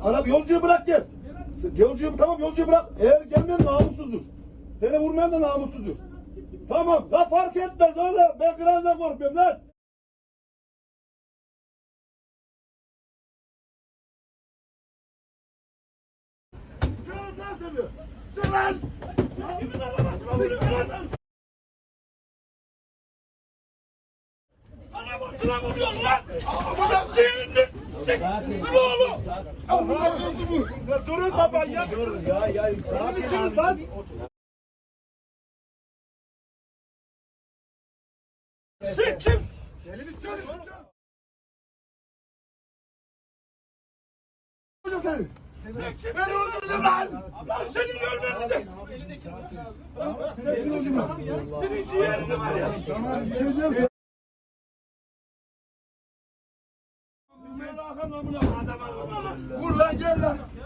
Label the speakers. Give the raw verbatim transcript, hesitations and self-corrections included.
Speaker 1: Araba yolcuyu bırak gel. Yolcuyu tamam yolcuyu bırak. Eğer gelmeyen namussuzdur. Seni vurmayan da namussuzdur. Tamam. La fark etmez oğlum. Ben kırağından korkmuyorum lan. Çıkın lan seni. Çık lan. Kimin arabasına vuruyorsun lan? Arabasına vuruyorsun lan. Adam seyirdi. Dur oğlum. Allah dur. Durun baba ya. Dur ya ya. Sakin lan. Sen kim? Elini söyle. Hocam seni. Ben öldürdüm lan. Ben seni öldürdüm. Seni öldürdüm lan. Senin ciğerini var ya. Tamam. Vur lan gel lan.